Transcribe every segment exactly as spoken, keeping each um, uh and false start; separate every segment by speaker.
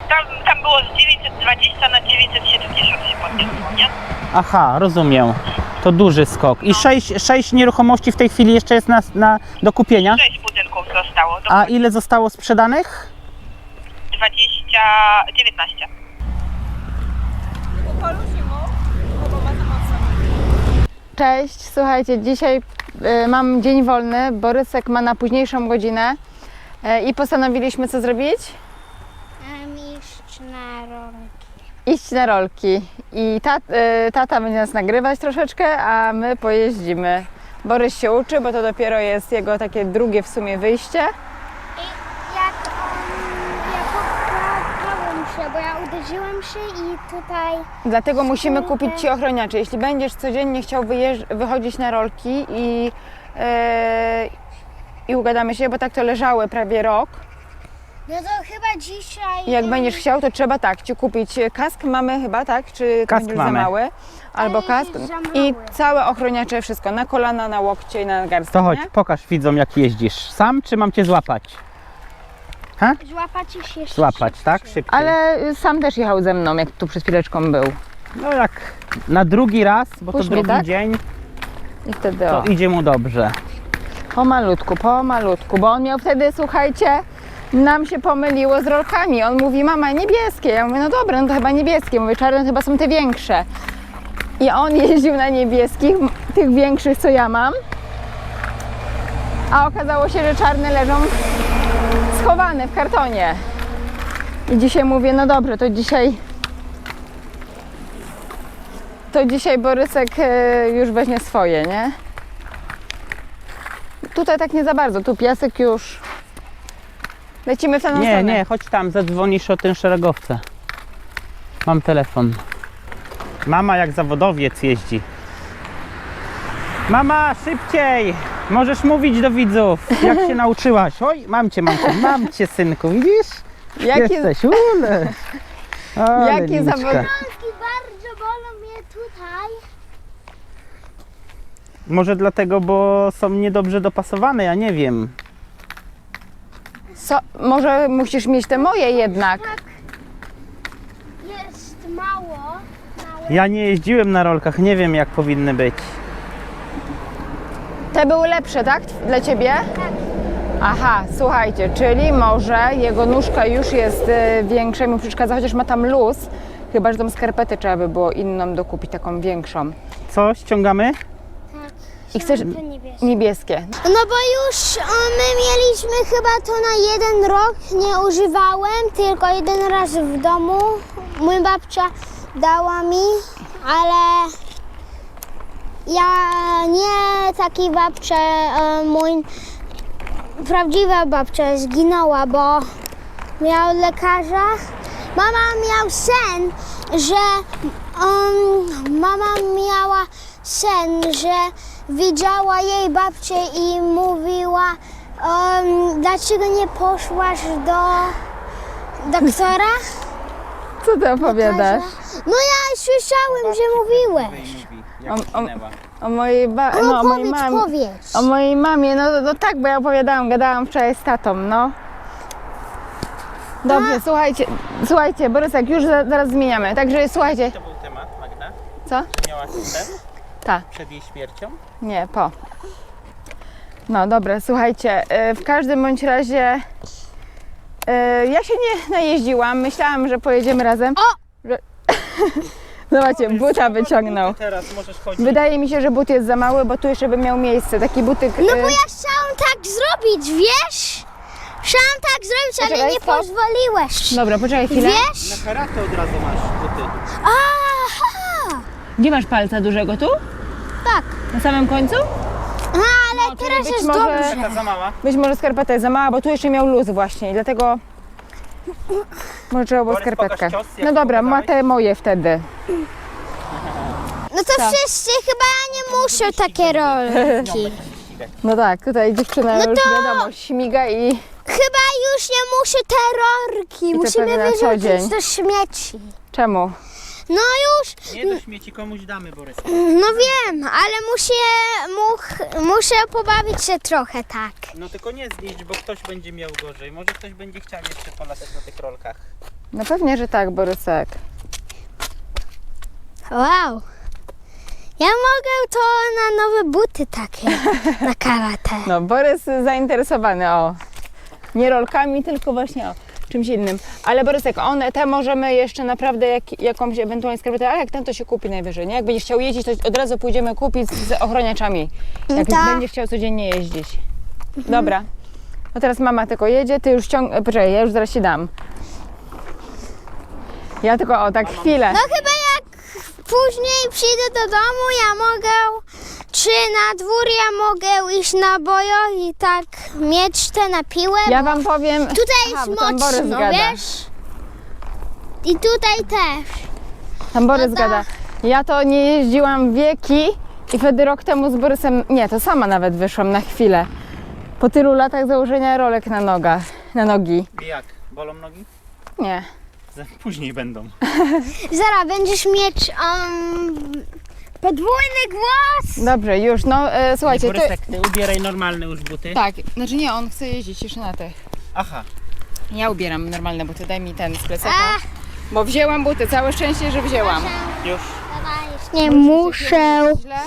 Speaker 1: Tam, tam było z dziewięćset dwadzieścia na dziewięćset siedemdziesiąt się podniosło, nie?
Speaker 2: Aha, rozumiem. To duży skok. I sześć, sześć nieruchomości w tej chwili jeszcze jest na, na, do kupienia?
Speaker 1: Sześć budynków zostało.
Speaker 2: A ile zostało sprzedanych?
Speaker 1: dwadzieścia, dziewiętnaście.
Speaker 3: Cześć, słuchajcie, dzisiaj y, mam dzień wolny, Borysek ma na późniejszą godzinę y, i postanowiliśmy co zrobić?
Speaker 4: Mam iść na rolki.
Speaker 3: Iść na rolki. I tat, y, tata będzie nas nagrywać troszeczkę, a my pojeździmy. Borys się uczy, bo to dopiero jest jego takie drugie w sumie wyjście.
Speaker 4: I jak on, ja poprawiłem się, bo ja uderzyłem się i tutaj...
Speaker 3: Dlatego musimy kupić Ci ochroniacze. Jeśli będziesz codziennie chciał wyjeżdż- wychodzić na rolki i, yy, i ugadamy się, bo tak to leżały prawie rok.
Speaker 4: No to chyba dzisiaj...
Speaker 3: I jak będziesz chciał, to trzeba tak, Ci kupić kask mamy chyba, tak? Czy
Speaker 2: Kask
Speaker 3: będziesz
Speaker 2: mamy.
Speaker 3: za mały? Albo
Speaker 4: Ale
Speaker 3: kask
Speaker 4: jest za
Speaker 3: i
Speaker 4: mały.
Speaker 3: całe ochroniacze, wszystko, na kolana, na łokcie i na garstkę,
Speaker 2: To chodź,
Speaker 3: nie?
Speaker 2: pokaż widzom jak jeździsz. Sam czy mam cię złapać? Ha?
Speaker 4: Złapać się szybciej.
Speaker 2: Złapać, tak? Szybciej.
Speaker 3: Ale sam też jechał ze mną, jak tu przed chwileczką był.
Speaker 2: No jak na drugi raz, bo
Speaker 3: Puść
Speaker 2: to
Speaker 3: mnie,
Speaker 2: drugi
Speaker 3: tak?
Speaker 2: dzień,
Speaker 3: I wtedy
Speaker 2: to
Speaker 3: o,
Speaker 2: idzie mu dobrze.
Speaker 3: pomalutku, pomalutku, bo on miał wtedy, słuchajcie, nam się pomyliło z rolkami. On mówi, mama, niebieskie. Ja mówię, no dobra, no to chyba niebieskie. Mówię, czarne to chyba są te większe. I on jeździł na niebieskich, tych większych, co ja mam. A okazało się, że czarne leżą schowane w kartonie. I dzisiaj mówię, no dobrze, to dzisiaj... To dzisiaj Borysek e, już weźmie swoje, nie? Tutaj tak nie za bardzo, tu piasek już... Lecimy w tę
Speaker 2: Nie,
Speaker 3: stronę.
Speaker 2: nie, chodź tam, zadzwonisz o ten szeregowce. Mam telefon. Mama jak zawodowiec jeździ. Mama, szybciej! Możesz mówić do widzów, jak się nauczyłaś. Oj, mam cię, mam cię, mam cię, synku, widzisz?
Speaker 3: Jaki,
Speaker 2: Jesteś, ule. Ale
Speaker 3: Jaki
Speaker 2: Niniczka.
Speaker 3: zawod-
Speaker 4: Rolki bardzo bolą mnie tutaj.
Speaker 2: Może dlatego, bo są niedobrze dopasowane, ja nie wiem.
Speaker 3: so, może musisz mieć te moje jednak.
Speaker 4: Jest mało. Małe.
Speaker 2: Ja nie jeździłem na rolkach, nie wiem jak powinny być.
Speaker 3: Te były lepsze, tak? Dla Ciebie?
Speaker 4: Tak.
Speaker 3: Aha, słuchajcie, czyli może jego nóżka już jest y, większa i mu przeszkadza, chociaż ma tam luz. Chyba, że tą skarpetę trzeba by było inną dokupić, taką większą.
Speaker 2: Co, ściągamy?
Speaker 4: Tak.
Speaker 3: I chcesz
Speaker 4: To niebieskie.
Speaker 3: niebieskie.
Speaker 4: No bo już o, my mieliśmy chyba to na jeden rok, nie używałem, tylko jeden raz w domu. Mój babcia dała mi, ale ja nie taki babcia, e, mój prawdziwa babcia zginęła, bo miał lekarza. Mama miał sen, że um, mama miała sen, że widziała jej babcię i mówiła, um, dlaczego nie poszłaś do doktora?
Speaker 3: Co ty opowiadasz?
Speaker 4: No ja słyszałem, że mówiłeś.
Speaker 3: O, o, o mojej ba-
Speaker 4: No,
Speaker 3: no, o mojej
Speaker 4: powiedz,
Speaker 3: mamie.
Speaker 4: powiedz.
Speaker 3: O mojej mamie, no, no tak, bo ja opowiadałam, gadałam wczoraj z tatą, no. Dobrze, słuchajcie, słuchajcie, Borysek, już za, zaraz zmieniamy, także słuchajcie.
Speaker 2: To był temat, Magda?
Speaker 3: Co?
Speaker 2: Miałaś sen
Speaker 3: Tak,
Speaker 2: przed jej śmiercią?
Speaker 3: nie, po. No dobra, słuchajcie, y, w każdym bądź razie y, ja się nie najeździłam, myślałam, że pojedziemy razem. O! Że... Zobaczcie, buta wyciągnął.
Speaker 2: Teraz możesz chodzić.
Speaker 3: Wydaje mi się, że but jest za mały, bo tu jeszcze by miał miejsce, taki butyk.
Speaker 4: No bo
Speaker 3: y,
Speaker 4: ja chciałam tak zrobić, wiesz? Chciałam tak zrobić, ale
Speaker 3: Poczekaj,
Speaker 4: nie
Speaker 3: stop.
Speaker 4: pozwoliłeś.
Speaker 3: Dobra, poczekaj chwilę.
Speaker 4: Wiesz?
Speaker 2: Na karate od razu masz buty.
Speaker 4: Aha!
Speaker 3: Gdzie masz palca dużego? Tu?
Speaker 4: Tak.
Speaker 3: Na samym końcu?
Speaker 4: No, ale
Speaker 3: czyli
Speaker 4: teraz
Speaker 3: być
Speaker 4: jest
Speaker 3: może-
Speaker 4: dobrze.
Speaker 2: Taka za mała.
Speaker 3: Być może skarpeta jest za mała, bo tu jeszcze miał luz właśnie i dlatego może trzeba było
Speaker 2: Borys,
Speaker 3: skarpetkę.
Speaker 2: pokaż cios, jak
Speaker 3: No dobra, ma
Speaker 2: pokazałeś.
Speaker 3: te moje wtedy.
Speaker 4: No to
Speaker 3: Tak.
Speaker 4: wszyscy chyba nie muszą takie rolki.
Speaker 3: No tak, tutaj dziewczyna
Speaker 4: No
Speaker 3: już
Speaker 4: to-
Speaker 3: wiadomo, śmiga i
Speaker 4: Chyba już nie muszę te rolki.
Speaker 3: to
Speaker 4: Musimy
Speaker 3: pewnie na co dzień.
Speaker 4: wyrzucić do śmieci.
Speaker 3: czemu?
Speaker 4: No już,
Speaker 2: Nie do śmieci komuś damy, Borys.
Speaker 4: no wiem, ale muszę, much, muszę pobawić się trochę tak.
Speaker 2: No tylko nie zniszcz, bo ktoś będzie miał gorzej. Może ktoś będzie chciał jeszcze polatać na tych rolkach.
Speaker 3: No pewnie, że tak, Borysek.
Speaker 4: Wow. Ja mogę to na nowe buty takie, na karate.
Speaker 3: No, Borys zainteresowany, o. Nie rolkami, tylko właśnie o czymś innym. Ale Borysek, one, te możemy jeszcze naprawdę jak, jakąś ewentualnie skarpetę, ale jak ten to się kupi najwyżej, nie? Jak będziesz chciał jeździć, to od razu pójdziemy kupić z ochroniaczami. Jak
Speaker 4: Tak.
Speaker 3: będziesz chciał codziennie jeździć. Dobra. No teraz mama tylko jedzie, ty już ciąg... Poczekaj, ja już zaraz ci dam. Ja tylko, o, tak chwilę.
Speaker 4: No chyba jak później przyjdę do domu, ja mogę, czy na dwór ja mogę iść na bojo i tak mieć te na piłę.
Speaker 3: Ja wam powiem...
Speaker 4: Tutaj
Speaker 3: Aha,
Speaker 4: jest
Speaker 3: bo tam Borys
Speaker 4: mocno,
Speaker 3: gada.
Speaker 4: wiesz? I tutaj też.
Speaker 3: Tam Borys
Speaker 4: No to-
Speaker 3: gada. Ja to nie jeździłam wieki i wtedy rok temu z Borysem, nie, to sama nawet wyszłam na chwilę. Po tylu latach założenia rolek na nogach, na nogi.
Speaker 2: I jak? Bolą nogi?
Speaker 3: Nie.
Speaker 2: Później będą.
Speaker 4: Zaraz będziesz mieć um, podwójny głos.
Speaker 3: Dobrze, już, no e, słuchajcie, to...
Speaker 2: Borysek, ty ubieraj normalne już buty.
Speaker 3: Tak, znaczy nie, on chce jeździć jeszcze na tych.
Speaker 2: Aha.
Speaker 3: Ja ubieram normalne buty, daj mi ten z plecaka. Bo wzięłam buty, całe szczęście, że wzięłam.
Speaker 2: Już.
Speaker 4: Nie muszę.
Speaker 3: Źle.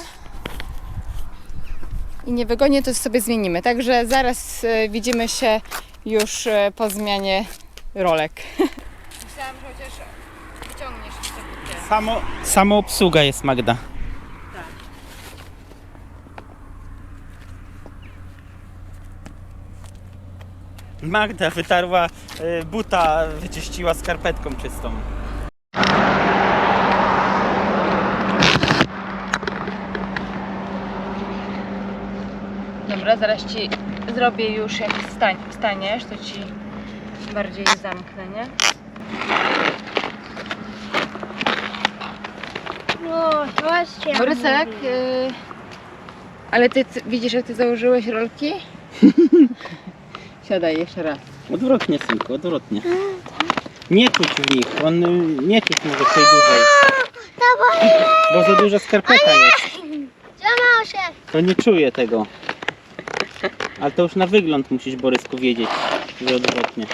Speaker 3: I niewygodnie to sobie zmienimy. Także zaraz e, widzimy się już e, po zmianie rolek. Myślałam, że chociaż wyciągniesz te buty.
Speaker 2: Samo, samo obsługa jest, Magda. Magda wytarła y, buta, wyczyściła skarpetką czystą.
Speaker 3: Dobra, zaraz ci zrobię już, jak stań, staniesz, to ci bardziej zamknę, nie?
Speaker 4: No, właśnie.
Speaker 3: Borysek, y... ale ty, ty widzisz, jak ty założyłeś rolki? Siadaj jeszcze raz.
Speaker 2: Odwrotnie, synku, odwrotnie. Nie czuć w nich, on y, nie czuć może tej dużej. Bo za duża skarpeta jest.
Speaker 4: Złamał się.
Speaker 2: To nie czuje tego. Ale to już na wygląd musisz, Borysku, wiedzieć, że odwrotnie.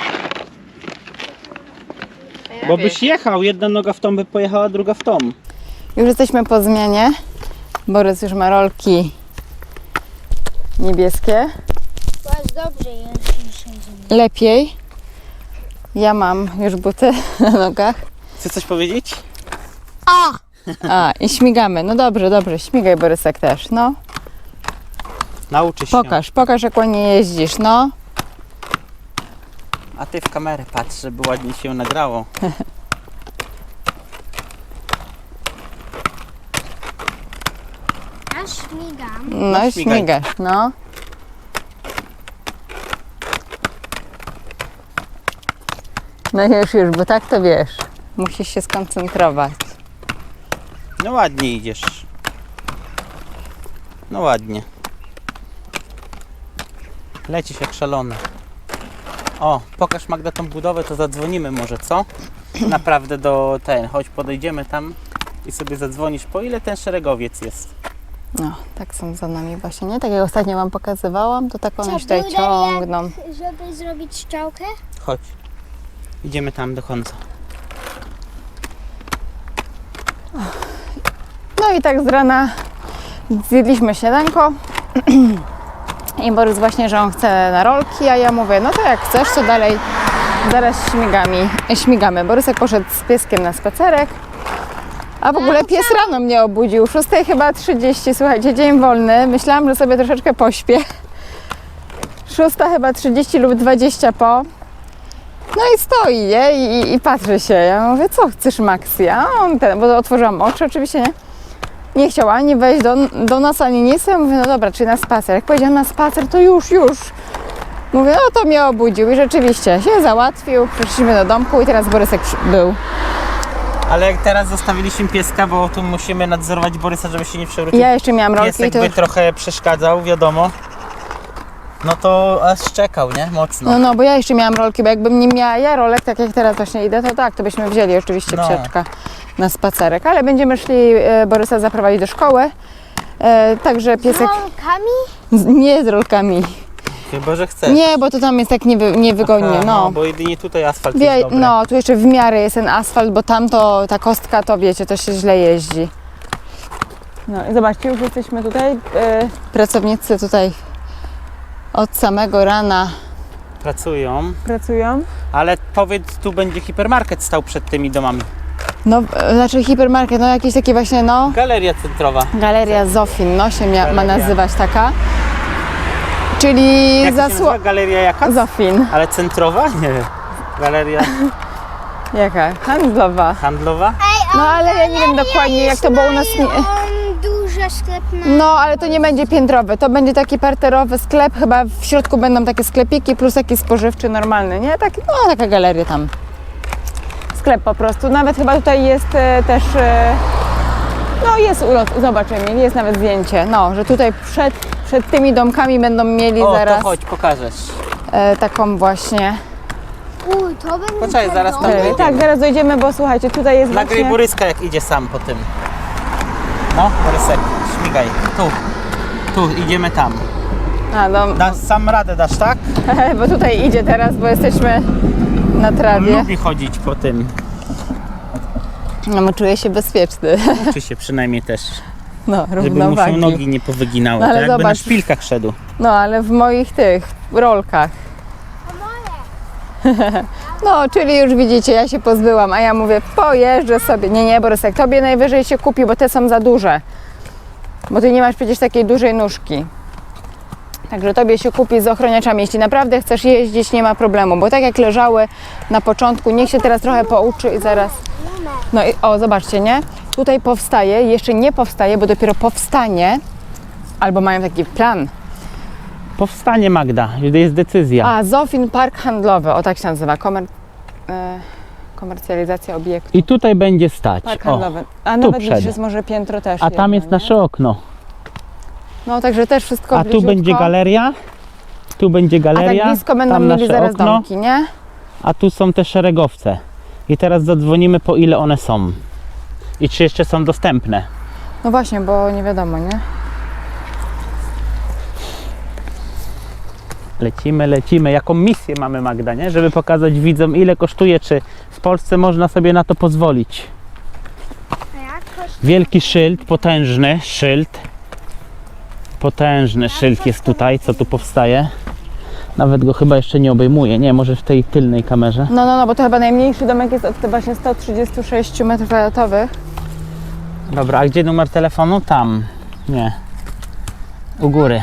Speaker 2: Bo byś jechał, jedna noga w tą by pojechała, druga w tą.
Speaker 3: Już jesteśmy po zmianie. Borys już ma rolki niebieskie.
Speaker 4: Bardzo dobrze jest dzisiaj.
Speaker 3: Lepiej. Ja mam już buty na nogach.
Speaker 2: Chcesz coś powiedzieć?
Speaker 4: O!
Speaker 3: A, i śmigamy. No dobrze, dobrze. Śmigaj, Borysek, też, no.
Speaker 2: Nauczysz się.
Speaker 3: Pokaż, pokaż, jak ładnie jeździsz, no.
Speaker 2: A ty w kamerę patrz, żeby ładnie się nagrało.
Speaker 4: Ja śmigam.
Speaker 3: No i
Speaker 2: śmigaj.
Speaker 3: śmigasz, no. No już, już, bo tak to wiesz. Musisz się skoncentrować.
Speaker 2: No ładnie idziesz. No ładnie. Lecisz jak szalony. O, pokaż, Magda, tą budowę, to zadzwonimy może, co? Naprawdę do ten, chodź podejdziemy tam i sobie zadzwonisz, po ile ten szeregowiec jest.
Speaker 3: No, tak są za nami właśnie, nie? Tak jak ostatnio wam pokazywałam, to tak one
Speaker 4: Co,
Speaker 3: się tutaj
Speaker 4: były
Speaker 3: ciągną.
Speaker 4: Żeby zrobić strzałkę?
Speaker 2: Chodź. Idziemy tam do końca.
Speaker 3: No i tak z rana zjedliśmy śniadanko. I Borys właśnie, że on chce na rolki, a ja mówię, no to jak chcesz, to dalej zaraz śmigami, śmigamy. Borysek poszedł z pieskiem na spacerek, a w ogóle pies rano mnie obudził, szósta chyba trzydzieści, słuchajcie, dzień wolny. Myślałam, że sobie troszeczkę pośpię. szósta chyba trzydzieści lub dwadzieścia po. No i stoi, nie? I, i patrzy się. Ja mówię, co chcesz, Maxi? A on ten, bo otworzyłam oczy, oczywiście, nie? Nie chciał ani wejść do, do nas, ani nic. Ja mówię, no dobra, czyli na spacer. Jak powiedział na spacer, to już, już. Mówię, no to mnie obudził i rzeczywiście się załatwił. Przyszliśmy do domku i teraz Borysek przy- był.
Speaker 2: Ale jak teraz zostawiliśmy pieska, bo tu musimy nadzorować Borysa, żeby się nie przewrócił.
Speaker 3: Ja jeszcze miałam rolki i
Speaker 2: Piesek
Speaker 3: to
Speaker 2: by
Speaker 3: już...
Speaker 2: trochę przeszkadzał, wiadomo. No to aż czekał, nie? Mocno.
Speaker 3: No, no, bo ja jeszcze miałam rolki, bo jakbym nie miała ja rolek, tak jak teraz właśnie idę, to tak, to byśmy wzięli oczywiście
Speaker 2: No.
Speaker 3: psiaczka. na spacerek, ale będziemy szli e, Borysa zaprowadzić do szkoły. E, także piesek
Speaker 4: Rolkami?
Speaker 3: z, nie z rolkami.
Speaker 2: Chyba, że chcesz.
Speaker 3: Nie, bo to tam jest tak niewy, niewygodnie.
Speaker 2: Aha,
Speaker 3: no.
Speaker 2: no, bo jedynie tutaj asfalt
Speaker 3: Wie,
Speaker 2: jest dobry.
Speaker 3: no, tu jeszcze w miarę jest ten asfalt, bo tam to ta kostka, to wiecie, to się źle jeździ. No i zobaczcie, już jesteśmy tutaj. E, pracownicy tutaj od samego rana
Speaker 2: Pracują,
Speaker 3: pracują.
Speaker 2: ale powiedz, tu będzie hipermarket stał przed tymi domami.
Speaker 3: No, e, znaczy hipermarket, no jakieś takie właśnie, no,
Speaker 2: Galeria centrowa.
Speaker 3: Galeria Zofin, no się mia, ma
Speaker 2: Galeria.
Speaker 3: nazywać taka. Czyli
Speaker 2: Jak się
Speaker 3: zasło...
Speaker 2: nazywa? Galeria jaka?
Speaker 3: Zofin.
Speaker 2: Ale centrowa? Nie. Galeria
Speaker 3: Jaka? Handlowa.
Speaker 2: handlowa?
Speaker 3: No ale ja nie wiem dokładnie jak to było u nas. Nie...
Speaker 4: On duży sklep na...
Speaker 3: No ale to nie będzie piętrowy, to będzie taki parterowy sklep, chyba w środku będą takie sklepiki plus taki spożywczy normalny, nie? Taki, no taka galeria tam. Sklep po prostu, nawet chyba tutaj jest e, też, e, no jest ulot, zobacz Emil, jest nawet zdjęcie, no, że tutaj przed, przed tymi domkami będą mieli
Speaker 2: O,
Speaker 3: zaraz
Speaker 2: to chodź, pokażesz.
Speaker 3: e, taką właśnie,
Speaker 4: Uj, to będzie...
Speaker 2: Poczekaj, zaraz tam
Speaker 3: e,
Speaker 2: dojdziemy.
Speaker 3: tak, zaraz dojdziemy, bo słuchajcie, tutaj jest
Speaker 2: Nagraj
Speaker 3: właśnie,
Speaker 2: Boryska, jak idzie sam po tym. No, Borysek, śmigaj. Tu. Tu, idziemy tam.
Speaker 3: a, no,
Speaker 2: Dasz sam radę, dasz, tak?
Speaker 3: bo tutaj idzie teraz, bo jesteśmy na trawie,
Speaker 2: Lubi chodzić po tym.
Speaker 3: no bo czuję się bezpieczny,
Speaker 2: Uczy się przynajmniej też.
Speaker 3: no,
Speaker 2: Żeby mu się
Speaker 3: równowagi.
Speaker 2: nogi nie powyginały.
Speaker 3: No, ale
Speaker 2: to jakby na
Speaker 3: zobacz.
Speaker 2: szpilkach szedł.
Speaker 3: No, ale w moich tych rolkach. No, czyli już widzicie, ja się pozbyłam, a ja mówię, pojeżdżę sobie. Nie, nie, Borysek, tobie najwyżej się kupi, bo te są za duże. Bo ty nie masz przecież takiej dużej nóżki. Także tobie się kupi z ochroniaczami. Jeśli naprawdę chcesz jeździć, nie ma problemu, bo tak jak leżały na początku, niech się teraz trochę pouczy i zaraz... No i o, zobaczcie, nie? Tutaj powstaje, jeszcze nie powstaje, bo dopiero powstanie, albo mają taki plan.
Speaker 2: Powstanie, Magda, jest decyzja.
Speaker 3: A, Zofin Park Handlowy, o tak się nazywa, Komer... e, komercjalizacja obiektu.
Speaker 2: I tutaj będzie stać.
Speaker 3: Park
Speaker 2: O,
Speaker 3: handlowy. A nawet
Speaker 2: przed.
Speaker 3: gdzieś jest może piętro też.
Speaker 2: a tam
Speaker 3: jedno,
Speaker 2: jest
Speaker 3: nie?
Speaker 2: nasze okno.
Speaker 3: No także też wszystko
Speaker 2: A tu
Speaker 3: bliziutko.
Speaker 2: będzie galeria. Tu będzie
Speaker 3: A
Speaker 2: galeria.
Speaker 3: tak blisko będą
Speaker 2: tam
Speaker 3: mieli
Speaker 2: nasze
Speaker 3: zaraz
Speaker 2: okno,
Speaker 3: domki, nie?
Speaker 2: a tu są te szeregowce. I teraz zadzwonimy, po ile one są. I czy jeszcze są dostępne.
Speaker 3: No właśnie, bo nie wiadomo, nie?
Speaker 2: Lecimy, lecimy. Jaką misję mamy, Magda, nie? Żeby pokazać widzom, ile kosztuje, czy w Polsce można sobie na to pozwolić. Wielki szyld, potężny szyld. Potężny szyld jest tutaj, co tu powstaje. Nawet go chyba jeszcze nie obejmuje. Nie, może w tej tylnej kamerze.
Speaker 3: No, no, no, bo to chyba najmniejszy domek jest od te właśnie sto trzydzieści sześć metrów kwadratowych.
Speaker 2: Dobra, a gdzie numer telefonu? Tam. Nie. U góry.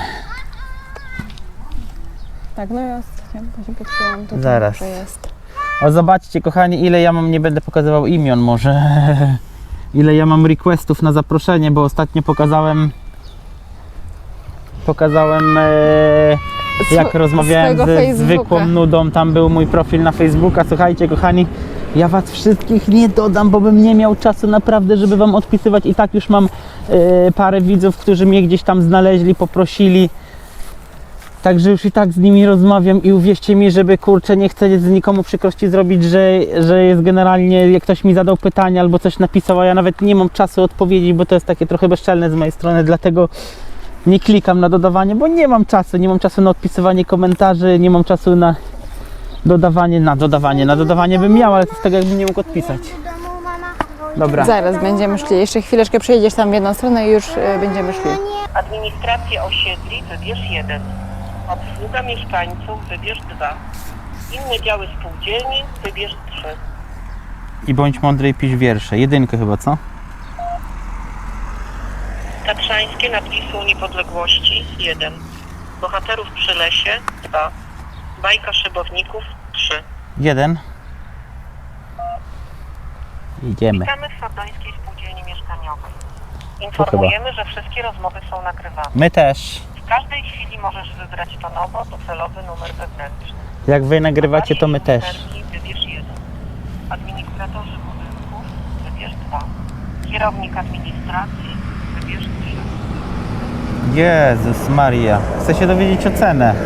Speaker 3: Tak, no jest. Ja właśnie patrzyłam, to
Speaker 2: Zaraz.
Speaker 3: że jest.
Speaker 2: O, zobaczcie, kochani, ile ja mam, nie będę pokazywał imion może. Ile ja mam requestów na zaproszenie, bo ostatnio pokazałem pokazałem e, jak
Speaker 3: Swo-
Speaker 2: rozmawiałem
Speaker 3: swojego
Speaker 2: ze
Speaker 3: Facebooka.
Speaker 2: zwykłą nudą, tam był mój profil na Facebooka. Słuchajcie, kochani, ja was wszystkich nie dodam, bo bym nie miał czasu naprawdę, żeby wam odpisywać. I tak już mam e, parę widzów, którzy mnie gdzieś tam znaleźli, poprosili. Także już i tak z nimi rozmawiam i uwierzcie mi, żeby kurczę, nie chcę z nikomu przykrości zrobić, że, że jest generalnie, jak ktoś mi zadał pytanie albo coś napisał, a ja nawet nie mam czasu odpowiedzieć, bo to jest takie trochę bezczelne z mojej strony, dlatego nie klikam na dodawanie, bo nie mam czasu, nie mam czasu na odpisywanie komentarzy, nie mam czasu na dodawanie, na dodawanie, na dodawanie bym miał, ale to jest tak, jakbym nie mógł odpisać. Dobra.
Speaker 3: Zaraz będziemy szli. Jeszcze chwileczkę przejedziesz tam w jedną stronę i już e, będziemy szli.
Speaker 1: Administrację osiedli wybierz jeden. Obsługa mieszkańców wybierz dwa. Inne działy spółdzielni wybierz trzy.
Speaker 2: I bądź mądry i pisz wiersze. Jedynkę chyba, co?
Speaker 1: Tatrzańskie nad Wisłą Niepodległości jeden. Bohaterów przy lesie dwa. Bajka szybowników trzy.
Speaker 2: Jeden. Idziemy.
Speaker 1: Witamy w Fordońskiej Spółdzielni Mieszkaniowej. Informujemy, że wszystkie rozmowy są nagrywane.
Speaker 2: My też.
Speaker 1: W każdej chwili możesz wybrać tonowo docelowy numer wewnętrzny.
Speaker 2: Jak wy nagrywacie, to my też.
Speaker 1: Wybierz jeden. Administratorzy budynków wybierz dwa. Kierownik administracji wybierz trzy.
Speaker 2: Jezus Maria. Chcę się dowiedzieć o cenę.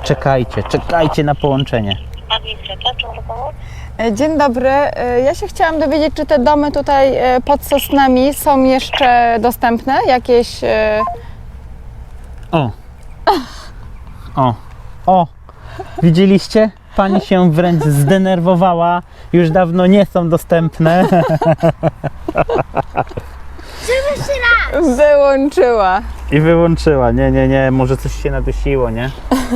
Speaker 2: Czekajcie, czekajcie na połączenie.
Speaker 1: Administracja, czy może pomóc?
Speaker 3: E, Dzień dobry. E, Ja się chciałam dowiedzieć, czy te domy tutaj e, pod Sosnami są jeszcze dostępne? Jakieś... e,
Speaker 2: O! O! O! Widzieliście? Pani się wręcz zdenerwowała. Już dawno nie są dostępne.
Speaker 3: Wyłączyła.
Speaker 2: I wyłączyła. Nie, nie, nie. Może coś się nadusiło, nie?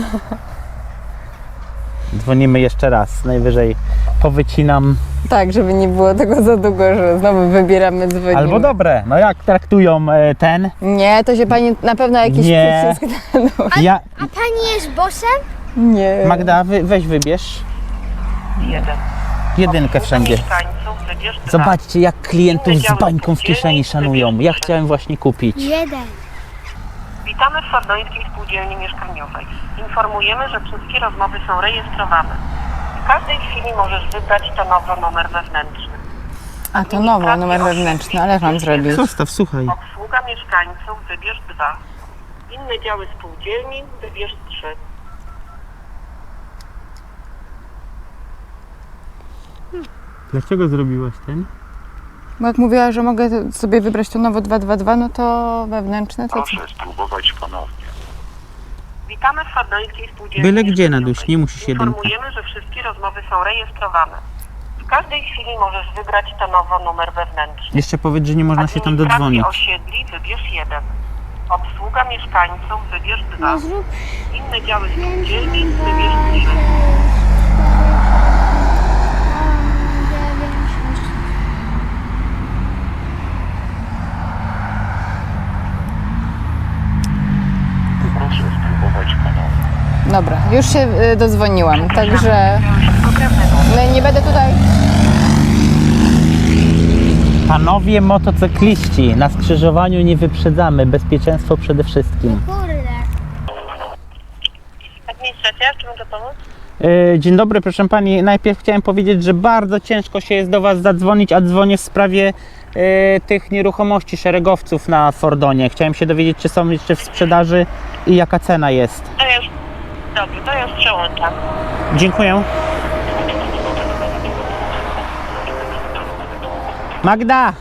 Speaker 2: Dzwonimy jeszcze raz. Najwyżej powycinam.
Speaker 3: Tak, żeby nie było tego za długo, że znowu wybieramy, dzwonimy.
Speaker 2: Albo dobre. No jak traktują e, ten?
Speaker 3: Nie, to się pani na pewno jakiś
Speaker 2: Nie.
Speaker 3: przycisk...
Speaker 2: Ja...
Speaker 4: A pani jest bossem?
Speaker 3: Nie.
Speaker 2: Magda, wy, weź wybierz.
Speaker 1: Jeden.
Speaker 2: Jedynkę wszędzie.
Speaker 1: Mieszkańców wybierz dwa.
Speaker 2: Zobaczcie, jak klientów z bańką w kieszeni szanują. Ja chciałem właśnie kupić.
Speaker 4: Jeden.
Speaker 1: Witamy w Fordońskiej Spółdzielni Mieszkaniowej. Informujemy, że wszystkie rozmowy są rejestrowane. W każdej chwili możesz wybrać to nowy numer wewnętrzny.
Speaker 3: A to nowo, numer wewnętrzny, ale jak mam zrobić?
Speaker 2: Zostaw, słuchaj.
Speaker 1: Obsługa mieszkańców wybierz dwa. Inne działy spółdzielni wybierz trzy.
Speaker 2: Dlaczego zrobiłaś ten?
Speaker 3: Bo jak mówiła, że mogę sobie wybrać to nowo dwa dwa dwa, no to wewnętrzne to co?
Speaker 5: Proszę spróbować ponownie.
Speaker 1: Witamy w Fordońskiej Spółdzielni
Speaker 2: Byle gdzie,
Speaker 1: Mieszkaniowej.
Speaker 2: Naduś, nie musisz jedynka.
Speaker 1: Informujemy, że wszystkie rozmowy są rejestrowane. W każdej chwili możesz wybrać to nowo numer wewnętrzny.
Speaker 2: Jeszcze powiedz, że nie można się tam
Speaker 1: Administracji
Speaker 2: dodzwonić.
Speaker 1: osiedli wybierz jeden. Obsługa mieszkańców wybierz dwa. Inne działy spółdzielni wybierz trzy.
Speaker 5: Proszę spróbować ponownie.
Speaker 3: Dobra, już się y, dodzwoniłam, także no, nie będę tutaj...
Speaker 2: Panowie motocykliści, na skrzyżowaniu nie wyprzedzamy. Bezpieczeństwo przede wszystkim.
Speaker 4: Kurde.
Speaker 1: Administracja, czy mogę pomóc?
Speaker 2: Yy, dzień dobry, proszę pani. Najpierw chciałem powiedzieć, że bardzo ciężko się jest do was zadzwonić, a dzwonię w sprawie yy, tych nieruchomości szeregowców na Fordonie. Chciałem się dowiedzieć, czy są jeszcze w sprzedaży i jaka cena jest.
Speaker 1: To już, dobrze, to już przełączam.
Speaker 2: Dziękuję. Magda!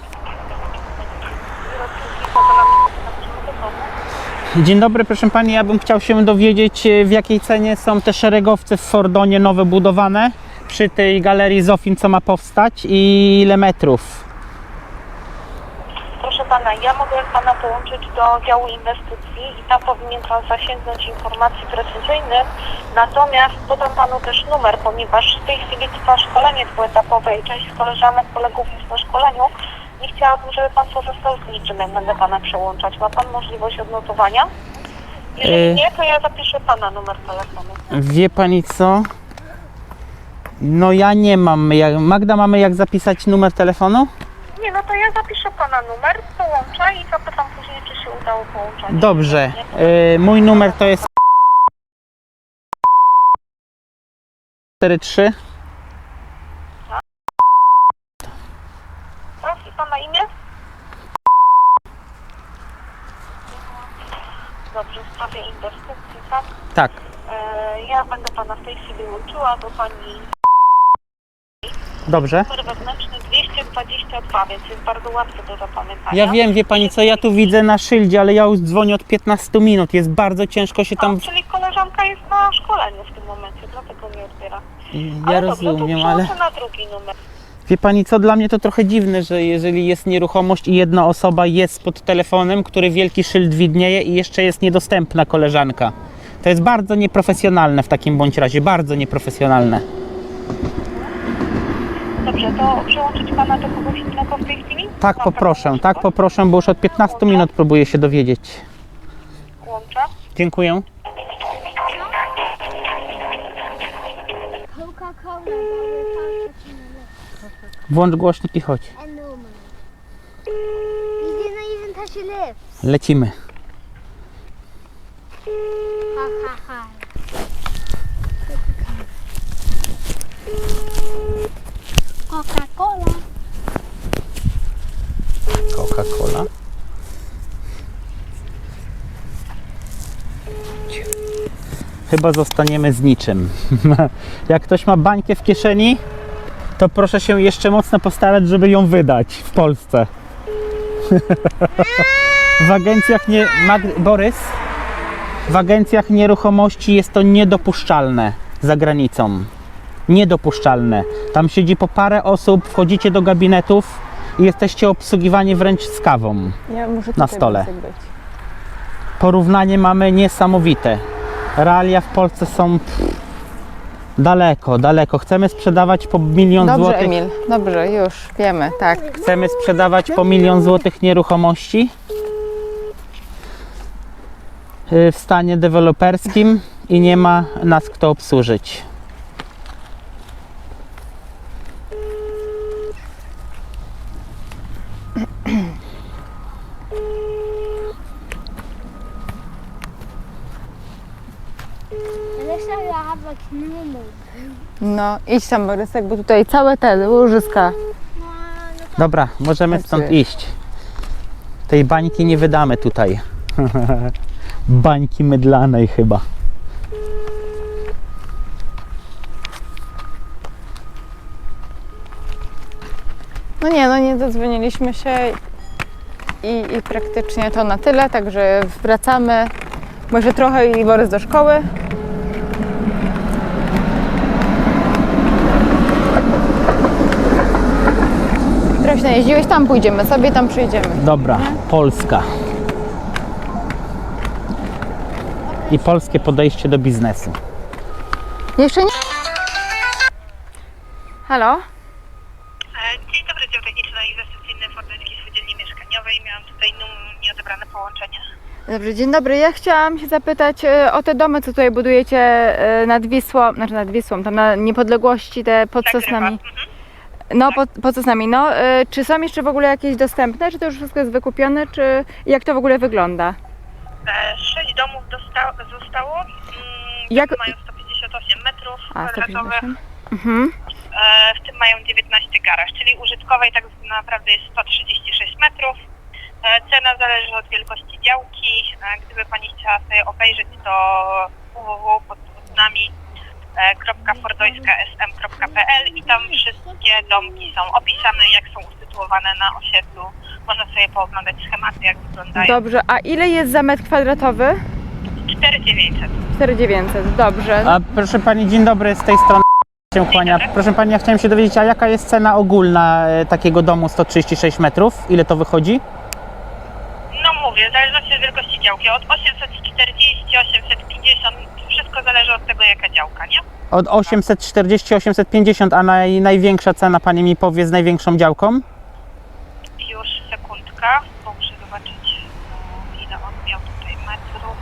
Speaker 2: Dzień dobry, proszę pani. Ja bym chciał się dowiedzieć, w jakiej cenie są te szeregowce w Fordonie nowe budowane przy tej galerii Zofin, co ma powstać, i ile metrów.
Speaker 1: Proszę pana, ja mogę pana połączyć do działu inwestycji i tam powinien pan zasięgnąć informacji precyzyjnych. Natomiast podam panu też numer, ponieważ w tej chwili trwa szkolenie dwuetapowe i część z koleżanek, kolegów jest na szkoleniu i chciałabym, żeby pan korzystał z niczym, jak będę pana przełączać. Ma pan możliwość odnotowania? Jeżeli
Speaker 2: Yy.
Speaker 1: nie, to ja zapiszę pana numer telefonu.
Speaker 2: Wie pani co? No ja nie mam. Jak- Magda, mamy jak zapisać numer telefonu?
Speaker 1: Nie, no to ja zapiszę pana numer, połączę i zapytam później, czy się udało połączenie.
Speaker 2: Dobrze. Yy, mój numer to jest cztery trzy.
Speaker 1: Tak, i pana imię? Dobrze, w sprawie inwestycji, tak?
Speaker 2: Tak.
Speaker 1: E, ja będę pana w tej chwili łączyła do pani
Speaker 2: Dobrze.
Speaker 1: numer wewnętrzny dwieście dwadzieścia dwa, więc jest bardzo łatwy do zapamiętania.
Speaker 2: Ja wiem, wie pani co, ja tu widzę na szyldzie, ale ja już dzwonię od piętnastu minut. Jest bardzo ciężko się tam...
Speaker 1: A, czyli koleżanka jest na szkoleniu w tym momencie, dlatego nie odbiera.
Speaker 2: Ja
Speaker 1: Ale
Speaker 2: rozumiem,
Speaker 1: dobrze, to
Speaker 2: ale...
Speaker 1: przełączę na drugi numer.
Speaker 2: Wie pani co, dla mnie to trochę dziwne, że jeżeli jest nieruchomość i jedna osoba jest pod telefonem, który wielki szyld widnieje i jeszcze jest niedostępna koleżanka. To jest bardzo nieprofesjonalne w takim bądź razie, bardzo nieprofesjonalne.
Speaker 1: Dobrze, to przełączyć pana do kogoś innego w tej chwili?
Speaker 2: Tak
Speaker 1: Ma
Speaker 2: poproszę,
Speaker 1: pan
Speaker 2: tak poproszę, bo już od piętnastu minut próbuję się dowiedzieć.
Speaker 1: Łączę.
Speaker 2: Dziękuję.
Speaker 4: Coca-Cola.
Speaker 2: Włącz głośnik i chodź.
Speaker 4: And no money. You didn't even touch your lips.
Speaker 2: Lecimy.
Speaker 4: Ha ha ha. Coca-Cola.
Speaker 2: Coca-Cola. chyba zostaniemy z niczym. Jak ktoś ma bańkę w kieszeni, to proszę się jeszcze mocno postarać, żeby ją wydać w Polsce. W agencjach nie... Mag... Borys? W agencjach nieruchomości jest to niedopuszczalne za granicą. Niedopuszczalne. Tam siedzi po parę osób, wchodzicie do gabinetów i jesteście obsługiwani wręcz z kawą.
Speaker 3: Ja muszę
Speaker 2: Na
Speaker 3: tutaj
Speaker 2: stole.
Speaker 3: Być.
Speaker 2: Porównanie mamy niesamowite. Realia w Polsce są pff, daleko, daleko. Chcemy sprzedawać po milion
Speaker 3: Dobrze,
Speaker 2: złotych.
Speaker 3: Emil, dobrze, już wiemy, tak.
Speaker 2: Chcemy sprzedawać po milion złotych nieruchomości yy, w stanie deweloperskim i nie ma nas kto obsłużyć.
Speaker 4: Alexa, ja have like no
Speaker 3: No, idź tam, Borysek, bo tutaj całe te łożyska.
Speaker 2: Dobra, możemy stąd iść. Tej bańki nie wydamy tutaj. Bańki mydlanej chyba.
Speaker 3: No nie, no nie zadzwoniliśmy się i, i praktycznie to na tyle, także wracamy. Może trochę i Borys do szkoły. Trochę się najeździłeś, tam pójdziemy sobie, tam przyjdziemy.
Speaker 2: Dobra, Polska. I polskie podejście do biznesu.
Speaker 3: Jeszcze nie? Halo?
Speaker 1: Dzień dobry, dział techniczno-inwestycyjny Fordyńskiej Spółdzielni Mieszkaniowej. Miałam tutaj num- nieodebrane połączenie.
Speaker 3: Dobrze, dzień dobry. Ja chciałam się zapytać e, o te domy, co tutaj budujecie e, nad Wisłą, znaczy nad Wisłą, tam na Niepodległości, te pod Sosnami.
Speaker 1: Mhm.
Speaker 3: No, pod, pod Sosnami. No, e, czy są jeszcze w ogóle jakieś dostępne, czy to już wszystko jest wykupione, czy jak to w ogóle wygląda?
Speaker 1: E, Sześć domów dosta- zostało. Mm,
Speaker 3: Jak-
Speaker 1: domy mają sto pięćdziesiąt osiem metrów
Speaker 3: A, sto
Speaker 1: kwadratowych.
Speaker 3: pięćdziesiąt. Mhm.
Speaker 1: E, w tym mają dziewiętnaście garaż, czyli użytkowej tak naprawdę jest sto trzydzieści sześć metrów. E, cena zależy od wielkości działki. E, gdyby Pani chciała sobie obejrzeć, to w w w kropka podwodnami kropka fordojska s m kropka p l i tam wszystkie domki są opisane, jak są usytuowane na osiedlu. Można sobie pooglądać schematy, jak wyglądają.
Speaker 3: Dobrze, a ile jest za metr kwadratowy?
Speaker 1: cztery tysiące dziewięćset.
Speaker 3: cztery tysiące dziewięćset, dobrze.
Speaker 2: A proszę pani, dzień dobry, z tej strony się kłania. Proszę pani, ja chciałem się dowiedzieć, a jaka jest cena ogólna e, takiego domu sto trzydzieści sześć metrów? Ile to wychodzi?
Speaker 1: No mówię, w zależności od wielkości działki, od osiemset czterdzieści, osiemset pięćdziesiąt, wszystko zależy od tego, jaka działka, nie?
Speaker 2: Od osiemset czterdzieści, osiemset pięćdziesiąt, a naj, największa cena pani mi powie z największą działką?
Speaker 1: Już sekundka, bo muszę zobaczyć, e, ile on miał tutaj metrów.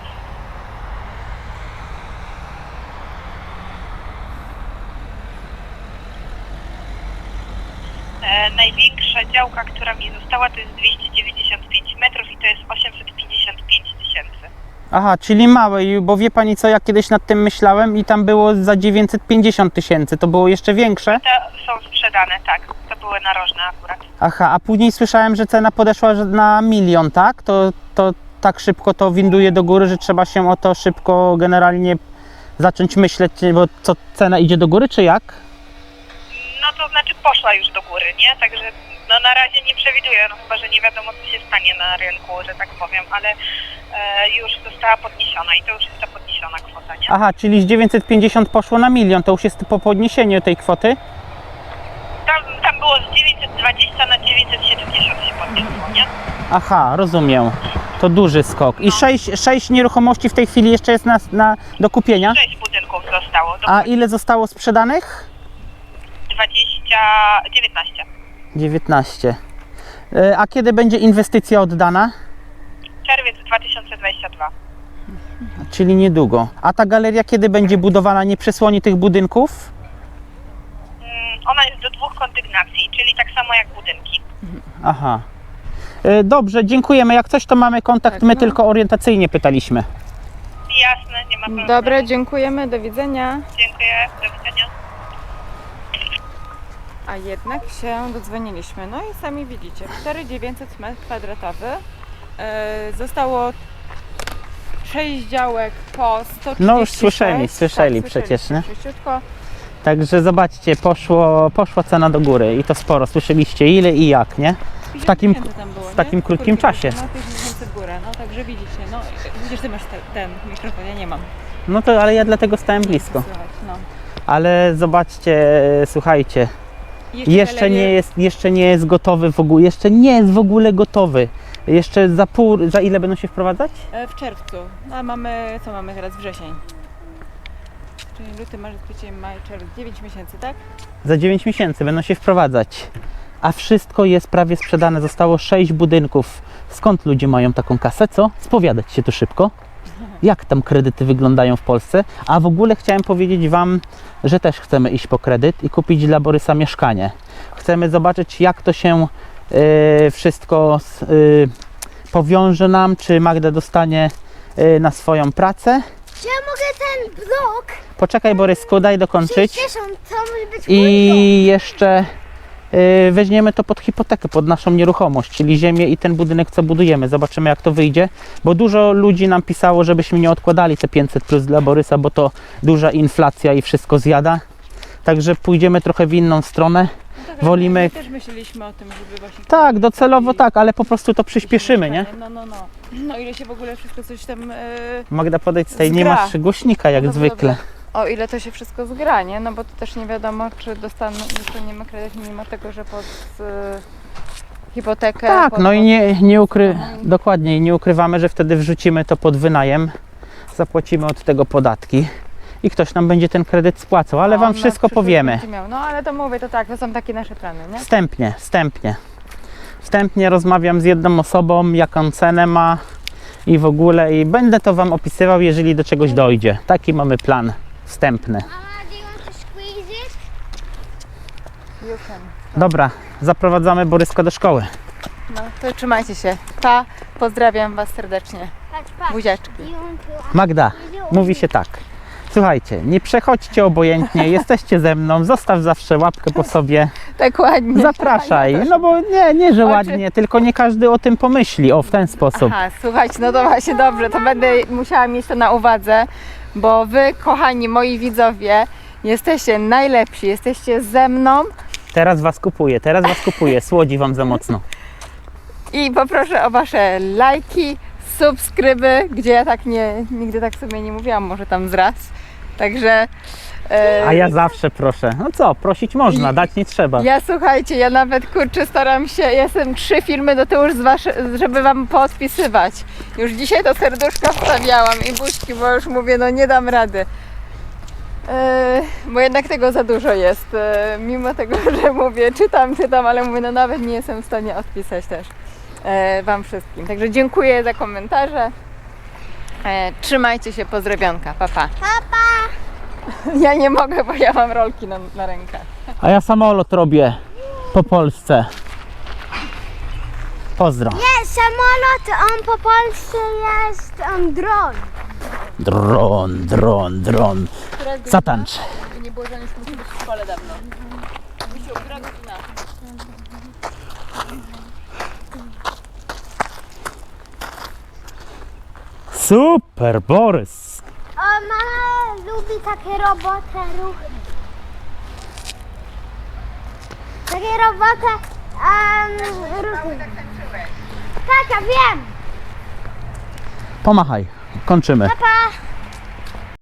Speaker 1: E, największa działka, która mi została, to jest dwieście dziewięćdziesiąt pięć metrów i to jest osiemset pięćdziesiąt pięć tysięcy.
Speaker 2: Aha, czyli małe, i- bo wie pani co, ja kiedyś nad tym myślałem i tam było za dziewięćset pięćdziesiąt tysięcy, to było jeszcze większe?
Speaker 1: Te są sprzedane, tak, to były narożne akurat.
Speaker 2: Aha, a później słyszałem, że cena podeszła że na milion, tak? To, to tak szybko to winduje do góry, że trzeba się o to szybko generalnie zacząć myśleć, bo co, cena idzie do góry, czy jak?
Speaker 1: No to znaczy poszła już do góry, nie? Także no na razie nie przewiduję, no chyba, że nie wiadomo co się stanie na rynku, że tak powiem, ale e, już została podniesiona i to już jest ta podniesiona kwota, nie?
Speaker 2: Aha, czyli z dziewięćset pięćdziesiąt poszło na milion, to już jest po podniesieniu tej kwoty?
Speaker 1: Tam, tam było z dziewięćset dwadzieścia na dziewięćset siedemdziesiąt się podniosło, nie?
Speaker 2: Aha, rozumiem. To duży skok. I sześć, sześć nieruchomości w tej chwili jeszcze jest na, na, do kupienia?
Speaker 1: Sześć budynków zostało, do
Speaker 2: A ile zostało sprzedanych?
Speaker 1: dwadzieścia, dziewiętnaście.
Speaker 2: dziewiętnaście. E, A kiedy będzie inwestycja oddana?
Speaker 1: Czerwiec dwa tysiące dwudziesty drugi.
Speaker 2: Czyli niedługo. A ta galeria kiedy będzie budowana? Nie przysłoni tych budynków?
Speaker 1: Mm, ona jest do dwóch kondygnacji, czyli tak samo jak budynki.
Speaker 2: Aha. E, Dobrze, dziękujemy. Jak coś, to mamy kontakt.
Speaker 3: Tak,
Speaker 2: My
Speaker 3: no.
Speaker 2: tylko orientacyjnie pytaliśmy.
Speaker 1: Jasne, nie ma problemu.
Speaker 3: Dobra, dziękujemy, do widzenia.
Speaker 1: Dziękuję, do widzenia.
Speaker 3: A jednak się dodzwoniliśmy. No i sami widzicie, cztery tysiące dziewięćset metrów kwadratowych. E, zostało sześć działek po sto trzydzieści
Speaker 2: No już
Speaker 3: sześć.
Speaker 2: słyszeli, słyszeli
Speaker 3: tak,
Speaker 2: przecież, nie?
Speaker 3: Sześciutko.
Speaker 2: Także zobaczcie, poszło, poszła cena do góry i to sporo. Słyszeliście ile i jak, nie? W takim,
Speaker 3: pięćdziesiąt tysięcy tam było,
Speaker 2: w
Speaker 3: nie?
Speaker 2: takim krótkim czasie.
Speaker 3: No pięćdziesiąt tysięcy w górę, no także widzicie, no widzisz, ty masz te, ten mikrofon, ja nie mam.
Speaker 2: No to, ale ja dlatego stałem blisko.
Speaker 3: Słychać, no.
Speaker 2: Ale zobaczcie, słuchajcie,
Speaker 3: Jeszcze,
Speaker 2: jeszcze
Speaker 3: telewie-
Speaker 2: nie jest, jeszcze nie jest gotowy w ogóle, jeszcze nie jest w ogóle gotowy. Jeszcze za pół, za ile będą się wprowadzać?
Speaker 3: E, W czerwcu, a mamy, co mamy teraz, wrzesień. Czyli luty, marzec, kwiecień, maj, czerwiec, dziewięć miesięcy, tak?
Speaker 2: Za dziewięć miesięcy będą się wprowadzać. A wszystko jest prawie sprzedane, zostało sześć budynków. Skąd ludzie mają taką kasę, co? Spowiadać się tu szybko. Jak tam kredyty wyglądają w Polsce? A w ogóle chciałem powiedzieć Wam, że też chcemy iść po kredyt i kupić dla Borysa mieszkanie. Chcemy zobaczyć, jak to się y, wszystko s- y, powiąże nam, czy Magda dostanie y, na swoją pracę.
Speaker 4: Czy ja mogę ten blok?
Speaker 2: Poczekaj Borysku, daj dokończyć.
Speaker 4: sześćdziesiąt, to może być mój blok.
Speaker 2: I jeszcze y, weźmiemy to pod hipotekę, pod naszą nieruchomość, czyli ziemię i ten budynek, co budujemy. Zobaczymy, jak to wyjdzie, bo dużo ludzi nam pisało, żebyśmy nie odkładali te pięćset plus dla Borysa, bo to duża inflacja i wszystko zjada. Także pójdziemy trochę w inną stronę.
Speaker 3: No tak,
Speaker 2: Wolimy-
Speaker 3: My też myśleliśmy o tym, żeby właśnie...
Speaker 2: Tak, docelowo tak, ale po prostu to przyspieszymy, nie?
Speaker 3: No, no, no. No ile się w ogóle wszystko coś tam... E...
Speaker 2: Magda, podejdź tutaj, nie
Speaker 3: Zgra.
Speaker 2: masz głośnika jak
Speaker 3: No dobrze,
Speaker 2: zwykle.
Speaker 3: dobrze. O ile to się wszystko zgra, nie? No bo to też nie wiadomo, czy dostaną, dostaniemy kredyt mimo tego, że pod e, hipotekę...
Speaker 2: Tak,
Speaker 3: pod,
Speaker 2: no i
Speaker 3: pod-
Speaker 2: nie, nie ukry... dokładnie, i nie ukrywamy, że wtedy wrzucimy to pod wynajem, zapłacimy od tego podatki i ktoś nam będzie ten kredyt spłacał, ale
Speaker 3: on
Speaker 2: Wam
Speaker 3: na
Speaker 2: wszystko
Speaker 3: przyszłość
Speaker 2: powiemy.
Speaker 3: będzie miał. No ale to mówię, to tak, to są takie nasze plany, nie?
Speaker 2: Wstępnie, wstępnie. Wstępnie rozmawiam z jedną osobą, jaką cenę ma i w ogóle i będę to Wam opisywał, jeżeli do czegoś dojdzie. Taki mamy plan wstępny.
Speaker 4: Mama, do you want to squeeze it?
Speaker 3: You can.
Speaker 2: Dobra, zaprowadzamy Boryska do szkoły.
Speaker 3: No to trzymajcie się. Pa, pozdrawiam Was serdecznie.
Speaker 4: Patrz, patrz.
Speaker 3: Buziaczki.
Speaker 4: Do you want to...
Speaker 2: Magda, mówi się tak. Słuchajcie, nie przechodźcie obojętnie, jesteście ze mną, zostaw zawsze łapkę po sobie,
Speaker 3: Tak ładnie.
Speaker 2: zapraszaj. No bo nie, nie, że ładnie, tylko nie każdy o tym pomyśli, o w ten sposób.
Speaker 3: Aha, słuchajcie, no to właśnie dobrze, to będę musiała mieć to na uwadze, bo Wy, kochani moi widzowie, jesteście najlepsi, jesteście ze mną
Speaker 2: Teraz Was kupuję, teraz Was kupuję, słodzi Wam za mocno.
Speaker 3: i poproszę o Wasze lajki, subskryby, gdzie ja tak nie, nigdy tak sobie nie mówiłam, może tam zraz. Także... e,
Speaker 2: A ja zawsze proszę. No co, prosić można, dać nie trzeba.
Speaker 3: Ja słuchajcie, ja nawet kurczę staram się, ja jestem trzy filmy do tyłu, z wasze, żeby wam podpisywać. Już dzisiaj to serduszko wstawiałam i buźki, bo już mówię, no nie dam rady. Yy, bo jednak tego za dużo jest. Yy, mimo tego, że mówię, czytam, czytam, ale mówię, no nawet nie jestem w stanie odpisać też yy, wam wszystkim. Także dziękuję za komentarze. Yy, trzymajcie się, pozdrowionka, pa pa.
Speaker 4: Papa!
Speaker 3: Ja nie mogę, bo ja mam rolki na, na rękach.
Speaker 2: A ja samolot robię po Polsce. Pozdro.
Speaker 4: Nie, samolot, on po polsku jest um, dron.
Speaker 2: Dron, dron, dron. Zatańcz.
Speaker 3: Żeby nie było, że już musi być w szkole dawno. Misiu, która godzina?
Speaker 2: Super, Borys.
Speaker 4: O, mama lubi takie roboty, ruchy. Takie roboty, um, ruchy. Tak, ja wiem.
Speaker 2: Pomachaj, kończymy.
Speaker 4: Papa.